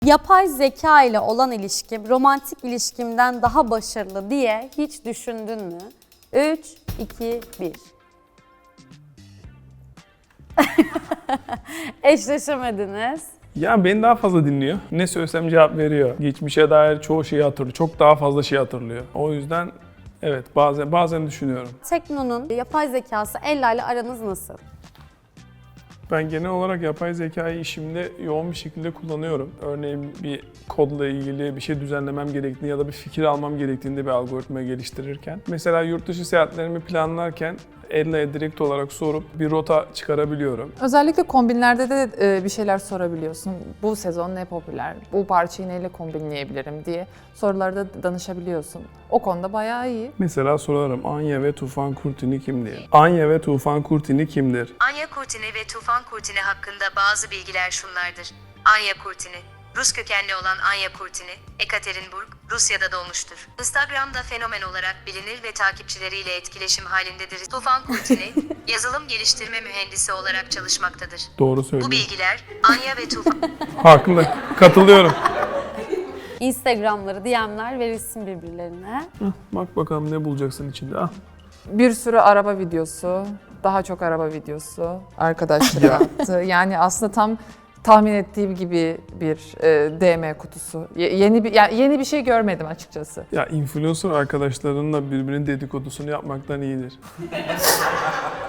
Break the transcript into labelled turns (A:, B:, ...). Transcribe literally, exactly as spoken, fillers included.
A: Yapay zeka ile olan ilişkim romantik ilişkimden daha başarılı diye hiç düşündün mü? üç, iki, bir. Eşleşemediniz.
B: Ya beni daha fazla dinliyor. Ne söylesem cevap veriyor. Geçmişe dair çoğu şeyi hatırlıyor. Çok daha fazla şey hatırlıyor. O yüzden evet bazen bazen düşünüyorum.
A: Tekno'nun yapay zekası Ella ile aranız nasıl?
B: Ben genel olarak yapay zekayı işimde yoğun bir şekilde kullanıyorum. Örneğin bir kodla ilgili bir şey düzenlemem gerektiğinde ya da bir fikir almam gerektiğinde bir algoritma geliştirirken. Mesela yurt dışı seyahatlerimi planlarken Ella'ya direkt olarak sorup bir rota çıkarabiliyorum.
C: Özellikle kombinlerde de e, bir şeyler sorabiliyorsun. Bu sezon ne popüler, bu parçayı neyle kombinleyebilirim diye sorularda danışabiliyorsun. O konuda bayağı iyi.
B: Mesela sorarım Anya ve Tufan Kurtini kimdir? Anya ve Tufan Kurtini kimdir?
D: Anya Kurtini ve Tufan Kurtini hakkında bazı bilgiler şunlardır. Anya Kurtini, Rus kökenli olan Anya Kurtini, Ekaterinburg, Rusya'da doğmuştur. Instagram'da fenomen olarak bilinir ve takipçileriyle etkileşim halindedir. Tufan Kurtini, yazılım geliştirme mühendisi olarak çalışmaktadır.
B: Doğru söylüyor.
D: Bu bilgiler Anya ve Tufan...
B: Haklı. Katılıyorum.
A: Instagram'ları, D M'ler verilsin birbirlerine.
B: Hah, bak bakalım ne bulacaksın içinde. Ah.
C: Bir sürü araba videosu, daha çok araba videosu arkadaşları attı. Yani aslında tam tahmin ettiğim gibi bir e, D M kutusu. Ye- yeni bir yani yeni bir şey görmedim açıkçası.
B: Ya influencer arkadaşlarınla birbirinin dedikodusunu yapmaktan iyidir.